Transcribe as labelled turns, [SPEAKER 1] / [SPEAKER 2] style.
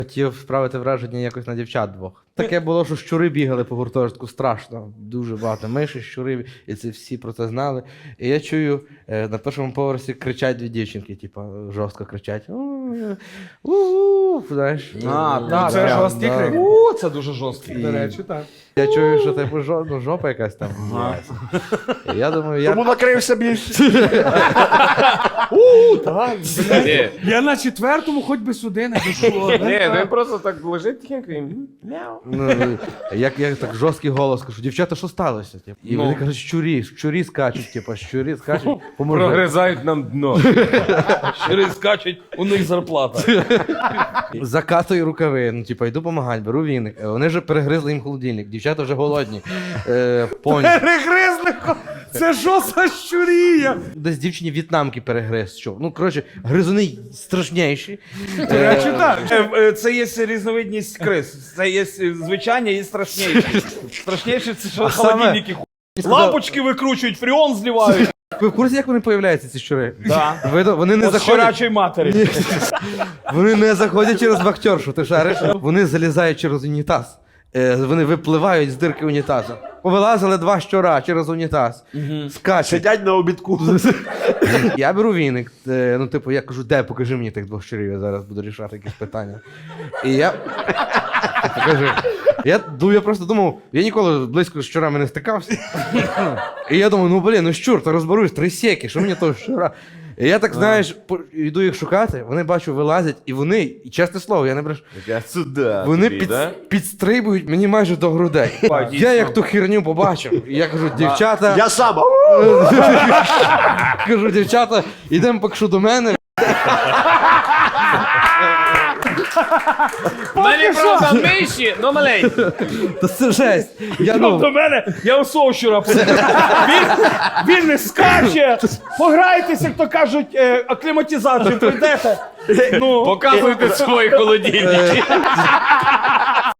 [SPEAKER 1] Хотів справити враження якось на дівчат двох. Таке було, що щури бігали по гуртожитку, страшно. Дуже багато миші, щурів, і це всі про це знали. І я чую, на першому поверсі кричать дві дівчинки, типу, жорстко кричать. Знаєш.
[SPEAKER 2] Так, це жорсткий крик.
[SPEAKER 3] Це дуже жорсткий.
[SPEAKER 2] До речі, так.
[SPEAKER 1] Я чую, що типу жопа якась там. І я думаю,
[SPEAKER 4] Тому накрився більше.
[SPEAKER 2] Я на четвертому хоч би сюди не дійшло.
[SPEAKER 3] Ні, він просто так лежить тихенько і мяу.
[SPEAKER 1] Ну, як так жорсткий голос кажу, дівчата, що сталося? Типу? І вони кажуть, щурі скачуть, типу, щурі скачуть, поможи.
[SPEAKER 3] Прогризають нам дно. Щури скачуть, у них зарплата.
[SPEAKER 1] Закатую рукави, ну типу, йду помагати, беру віник. Вони вже перегризли їм холодильник, дівчата вже голодні. Поні.
[SPEAKER 2] Перегризли! Це що за щурія?
[SPEAKER 1] Десь дівчині в'єтнамки перегриз. Що? Ну, коротше, гризуни страшніші.
[SPEAKER 2] До речі, так.
[SPEAKER 5] Це є різновидність крис. Це є звичайні і страшніші. Страшніші це що холодильники лампочки викручують, фріон зливають.
[SPEAKER 1] Ви в курсі, як вони появляються, ці щури?
[SPEAKER 5] Да.
[SPEAKER 1] Вони не
[SPEAKER 5] От
[SPEAKER 1] заходять.
[SPEAKER 5] щурячої матері.
[SPEAKER 1] Вони не заходять через вахтершу, ти шариш? Вони залізають через унітаз. Вони випливають з дирки унітазу. Повилазили два щура через унітаз. Скачуть.
[SPEAKER 4] Сидять на обідку.
[SPEAKER 1] Я беру віник. Ну, типу, я кажу, де, покажи мені тих двох щурів, я зараз буду рішати якісь питання. І я покажу. Я просто думав, я ніколи близько з щурами не стикався. І я думаю, ну блін, ну щур, то розберусь, 3 сєки, що мені того щура? І я так, знаєш, йду їх шукати, вони бачу, вилазять, і вони, і чесне слово, я не брешу, вони підстрибують мені майже до грудей. Я як ту херню побачив, і я кажу, дівчата,
[SPEAKER 4] Я сам.
[SPEAKER 1] кажу, дівчата, ідемо поки до мене.
[SPEAKER 3] Мені правда миші, но маленькі.
[SPEAKER 1] Та це жесть. Я,
[SPEAKER 5] До мене, я у свого щура він не скаче. Пограйтеся, як то кажуть, акліматизацію прийдете.
[SPEAKER 3] Показуйте свої холодильники.